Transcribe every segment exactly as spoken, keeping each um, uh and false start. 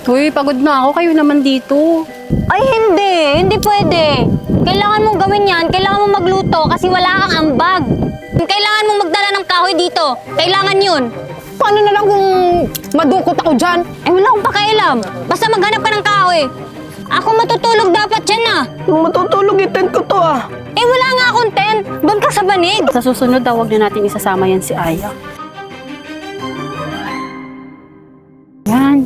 Uy, pagod na ako. Kayo naman dito. Ay, hindi. Hindi pwede. Kailangan mong gawin yan. Kailangan mong magluto kasi wala kang ambag. Kailangan mong magdala ng kahoy dito. Kailangan yun. Paano na lang kung madukot ako dyan? Eh, wala akong pakialam. Basta maghanap ka ng kahoy. Ako matutulog dapat dyan ah. Yung matutulog, i-tent ko to ah. Eh, wala nga akong tent. Doon ka sa banig. Sa susunod daw, huwag na natin isasama yan si Aya. Yan.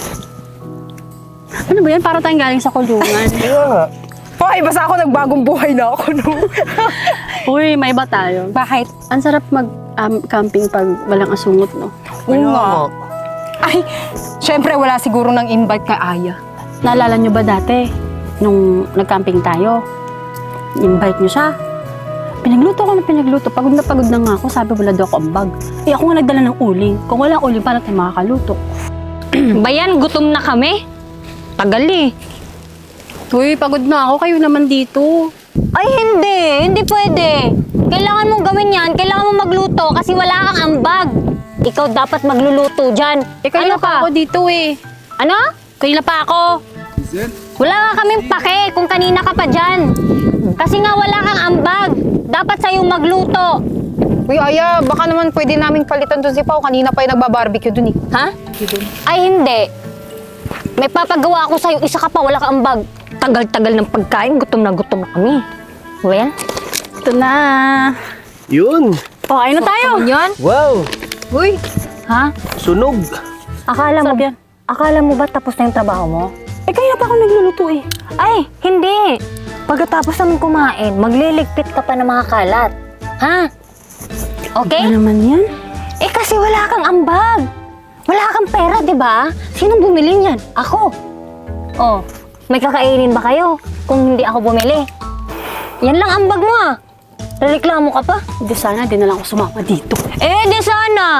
Ano ba yan? Para tayong galing sa kulungan. Kaya nga. Hoy, basta ako nagbagong buhay na ako, no? Uy, may iba tayo. Bakit? Ang sarap mag-camping pag walang asungot, no? Oo nga. Ay, syempre wala siguro ng invite kay Aya. Naalala nyo ba dati, nung nag-camping tayo, invite nyo siya? Pinagluto ko na pinagluto. Pagod na pagod na nga ako. Sabi, wala daw ako ambag. Eh, ako nga nagdala ng uling. Kung walang uling, paano tayo makakaluto? Bayan, gutom na kami. Tagal eh. Uy, pagod na ako. Kayo naman dito. Ay, hindi. Hindi pwede. Kailangan mong gawin yan. Kailangan mong magluto kasi wala kang ambag. Ikaw dapat magluluto dyan. Eh, kayo Ano na pa ka? ako dito eh. Ano? Kayo na pa ako. Wala nga kaming pake kung kanina ka pa dyan. Kasi nga wala kang ambag. Dapat sa'yo magluto. Uy, Aya, baka naman pwede namin palitan doon si Pao. Kanina pa yung nagbabarbecue doon eh. Ha? Ay, hindi. May papagawa ako sa'yo. Isa ka pa, wala kang ambag. Tagal-tagal ng pagkain. Gutom na gutom na kami. Well? Ito na. Yun. O, ayun na tayo. Yan? Wow. Uy, Ha? Sunog. Akala mo, Sarap yan. akala mo ba tapos na yung trabaho mo? Eh, kaya pa ako nagluluto eh. Ay, hindi. Pagkatapos namin kumain, magliligpit ka pa ng mga kalat. Ha? Okay? Ano naman yan? Eh kasi wala kang ambag. Wala kang pera, di ba? Sinong bumili niyan? Ako. Oh, may kakainin ba kayo kung hindi ako bumili? Yan lang ambag mo ah. Reklamo ka pa? Hindi sana, di na lang ako sumama dito. Eh, di sana.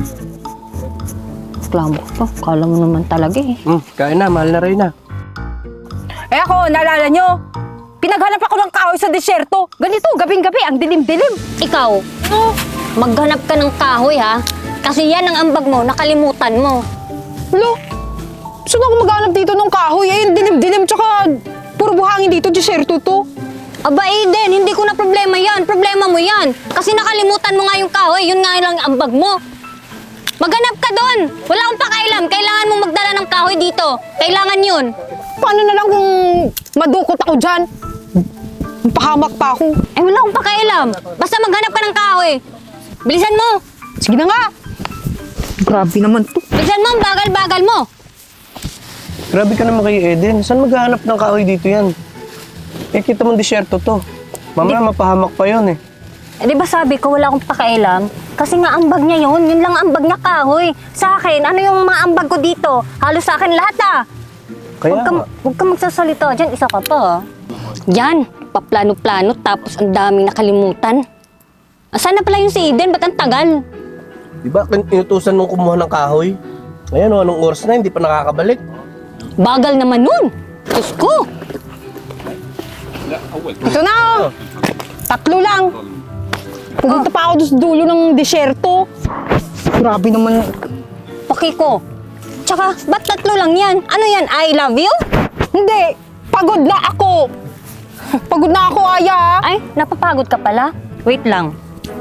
Reklamo ka pa. Kala mo naman talaga eh. Hmm, kain na, mahal na rin na. eh ako, naalala nyo? Pinaghanap ako ng kahoy sa disyerto. Ganito, gabing-gabi, ang dilim-dilim. Ikaw, maghanap ka ng kahoy ha. Kasi yan ang ambag mo, nakalimutan mo. Lo, saan ako maghanap dito ng kahoy? Eh, yung dilim-dilim, tsaka puro buhangin dito, disyerto to. Aba Eden, hindi ko na problema yan. Problema mo yan. Kasi nakalimutan mo nga yung kahoy, yun nga lang ang ambag mo. Maghanap ka doon. Wala akong pakailam. Kailangan mong magdala ng kahoy dito. Kailangan yun. Paano na lang kung madukot ako dyan? Pahamak pa ako. Eh, wala akong pakailam. Basta maghanap ka ng kahoy. Bilisan mo. Sige na nga. Grabe naman to. Bilisan mo, ang bagal-bagal mo. Grabe ka naman kay Eden. Saan maghahanap ng kahoy dito yan? Eh, kita mong disyerto to. Mamaya mapahamak pa yun eh. Eh, di ba sabi ko wala akong pakailam? Kasi nga ambag niya yun. Yun lang ambag niya kahoy. Sa akin, ano yung mga ambag ko dito? Halos sa akin lahat ah. Kaya Huwag ka, nga. huwag ka magsasalita dyan. Isa ka pa ah. Yan, paplano-plano tapos ang daming nakalimutan. Asan na pala yung si Eden? Ba't ang tagal? Di ba, inutusan nung kumuha ng kahoy? Ngayon, oh, anong oras na, hindi pa nakakabalik. Bagal naman nun. Diyos ko. Ito na oh. Tatlo lang. Pumunta pa ako doon sa dulo ng disyerto. Grabe naman. Paki ko. Tsaka, ba't tatlo lang yan? Ano yan? I love you? Hindi. Pagod na ako. Pagod na ako, Aya. Ay, napapagod ka pala? Wait lang.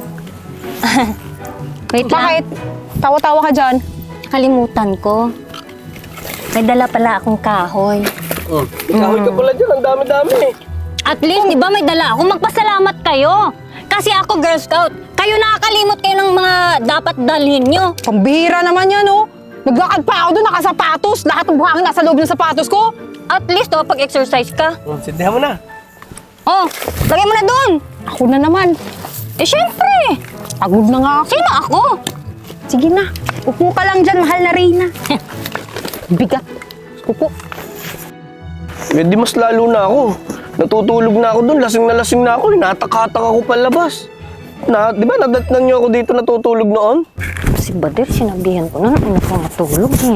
Wait lang. Bakit? Tawa-tawa ka dyan. Kalimutan ko. May dala pala akong kahoy. Oh, kahoy ka pala dyan, ang dami-dami eh. At least, di ba may dala ako? Magpasalamat kayo. Kasi ako, Girl Scout, kayo nakakalimot kayo ng mga dapat dalhin nyo. Pambihira naman yan, oh. Naglakad pa ako doon, nakasapatos. Lahat ng buhangin nasa loob ng sapatos ko. At least, oh, pag-exercise ka. Oh, sindihan mo na. Oh, lagay mo na doon. Ako na naman. Eh, syempre. Pagod na nga ako. Sino ako? Sige na. Upo ka lang dyan, mahal na Reyna. Bigat. Upo. Eh, di mas lalo na ako. Natutulog na ako doon, lasing na lasing na ako. Inatak-hatak ako palabas. Na, di ba nadatnan niyo ako dito natutulog noon? Si Badir, sinabihan ko na na ano ko matulog eh.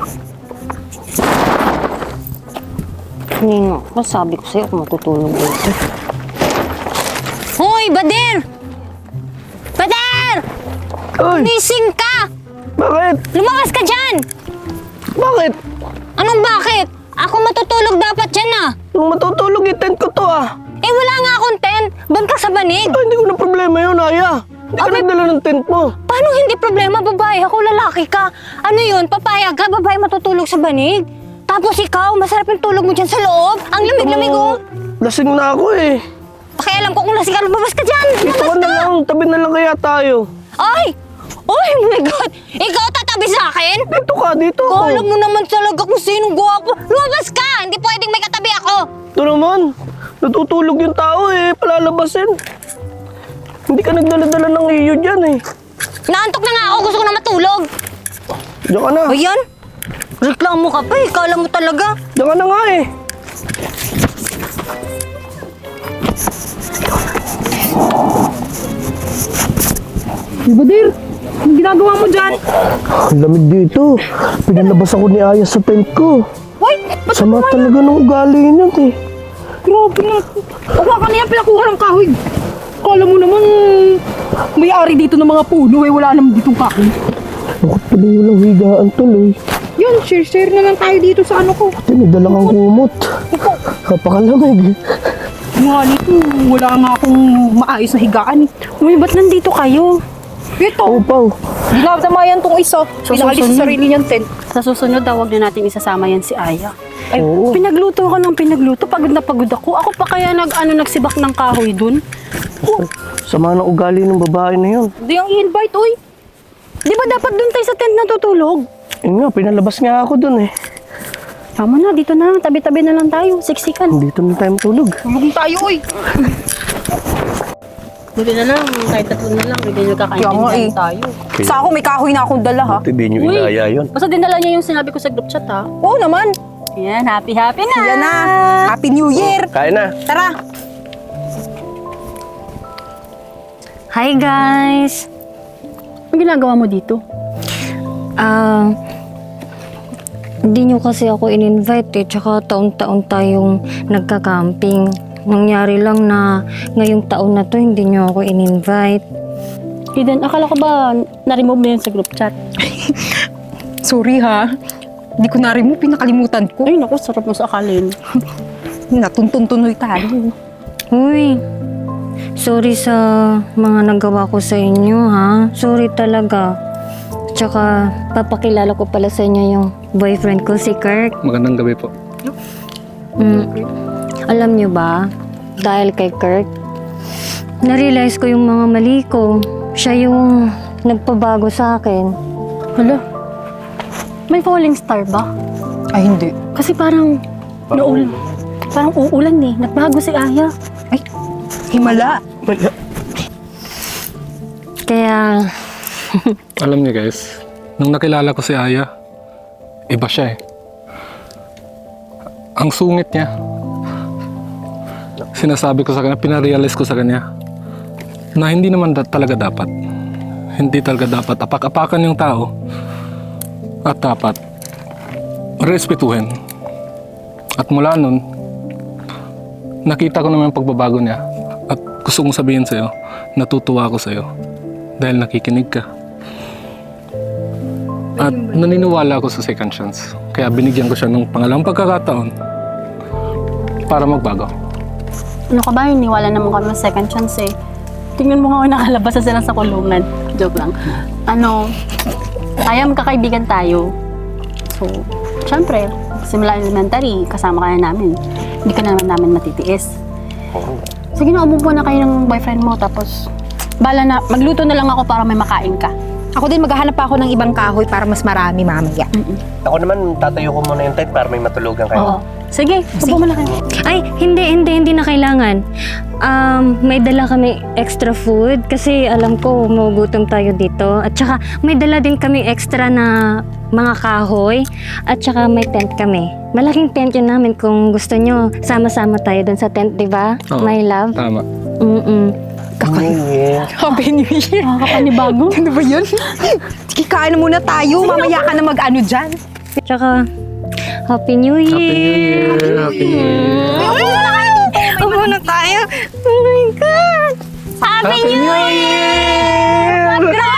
Hindi nga, sabi ko sa'yo kung matutulog dito. Hoy, Badir! Badir! Ay, Gising ka! bakit? Lumakas ka dyan! Bakit? Anong bakit? Ako matutulog dapat dyan ah. Nung matutulog, i-tent ko to ah. Eh wala nga akong tent. Doon ka sa banig. Ah, hindi ko na problema yun, Aya. Hindi ka Abay- nagdala ng tent mo. Paano hindi problema, babae? Ako lalaki ka. Ano yun? Papayag ka, babae matutulog sa banig? Tapos ikaw, masarap yung tulog mo dyan sa loob. Ang lamig-lamig oh. Lasing na ako eh. Pakialam ko kung lasing ka, lumabas ka dyan. Dito ka Lumabas na ka. lang, tabi na lang kaya tayo. Ay! Oh my God! Ikaw tatabi sa akin? Dito ka, dito ako. Kala mo naman talaga kung sinong gwapo. Lumabas ka! Hindi pwedeng may katabi ako. Ito naman, natutulog yung tao eh, palalabasin. Hindi ka nagdala-dala ng iyo dyan eh. Naantok na nga ako. Gusto ko na matulog. Diyan ka na. O yan? Reklamo ka pa eh. Kala mo talaga. Diyan ka na nga eh. Badir, anong ginagawa mo dyan? Ang lamig dito. Pinalabas ako ni Aya sa tent ko. Hoy, ba't Sama talaga ng ugali niyan eh. grabe na. Huwag ka na yan, pinakuha ng kahoy. Kala mo naman, may-ari dito ng mga puno eh, wala naman ditong kahoy. Bakit tuloy walang higaan tuloy? Yan, share-share na lang tayo dito sa ano ko. Pati may dalang ang kumot. Napakalamig. Nga nito, wala nga akong maayos na higaan. Uy, ba't nandito kayo? Ito, Oo, Pao. dinadamayan tong isa. So, Pinaalis susunod. sa sarili niyang tent. Sa susunod daw, huwag na natin isasama yan si Aya. Ay, Oo. pinagluto ko ng pinagluto. Pagod na pagod ako. Ako pa kaya nag, ano, nagsibak ng kahoy dun. Sama ng ugali ng babae na yun. Hindi ang i-invite, oy. Di ba dapat dun tayo sa tent natutulog? Yun nga, pinalabas nga ako dun eh. Tama na, dito na lang. Tabi-tabi na lang tayo. Siksikan. Dito na tayo matulog. Tulog tayo, oy. Buti na lang. Kahit tatlo na lang. Bigyan nyo Kaya nga, kakaintindihan eh. tayo. Sa ako, may kahoy na akong dala, ha? Hindi nyo Uy. inaya yun. Basta dinala niya yung sinabi ko sa group chat, ha? Oo naman. Yan, happy-happy na. Yan na. Happy New Year. Kain na. Tara. Hi guys! Ang ginagawa mo dito? Ah, hindi nyo kasi ako in-invite eh. Tsaka taon-taon tayong nagka-camping. Nangyari lang na ngayong taon na to hindi nyo ako in-invite. Eden, akala ko ba na-remove mo yun sa group chat? Sorry, ha? Hindi ko na rin mo, pinakalimutan ko. Ay, naku, sarap mo sa akalin. Natuntun-tunoy tayo. Uy, sorry sa mga nagawa ko sa inyo ha. Sorry talaga. Tsaka papakilala ko pala sa inyo yung boyfriend ko si Kirk. Magandang gabi po. Mm. Alam nyo ba, dahil kay Kirk, na-realize ko yung mga mali ko. Siya yung nagpabago sa akin. Hala, may falling star ba? Ay, hindi. Kasi parang naulan. Parang uulan eh. Nagbago si Aya. Ay, himala. Kaya, Alam niyo guys, nung nakilala ko si Aya, iba siya eh. Ang sungit niya. Sinasabi ko sa kanya, pinarealize ko sa kanya na hindi naman da- talaga dapat. Hindi talaga dapat apak-apakan yung tao at dapat respetuhin. At mula nun, nakita ko naman yung pagbabago niya at gusto kong sabihin sa'yo, natutuwa ako sa'yo dahil nakikinig ka. At naniniwala ako sa second chance. Kaya binigyan ko siya ng pangalawang pagkakataon para magbago. Ano ka ba? Niwala naman kami ng second chance eh. Tingnan mo nga ako nakalabas na sila sa kulungan. Joke lang. Ano, Aya, magkakaibigan tayo. So, syempre, simula elementary, kasama ka na namin. Hindi ka na naman namin matitiis. Sige na, umupo na kayo ng boyfriend mo, tapos, bala na, magluto na lang ako para may makain ka. Ako din, maghahanap pa ako ng ibang kahoy para mas marami mamaya. Ako naman, tatayo ko muna yung tent para may matulugan Oo. Sige, upo mo na kayo. ay, hindi, hindi, hindi na kailangan. Um, may dala kami extra food kasi alam ko magugutom tayo dito. At saka may dala din kami extra na mga kahoy at saka may tent kami. Malaking tent yun namin kung gusto nyo. Sama-sama tayo dun sa tent, di ba? Oo. My love? Tama. Mm-mm. Yeah. Happy New Year. Nakakapanibago. Ano ba yun? Sige, kain na muna tayo. Mamaya ka na mag-ano dyan. Tsaka, Happy New Year! Happy New Year! Happy New Year! Upo na tayo. Oh my God! Happy New Year! Grabe!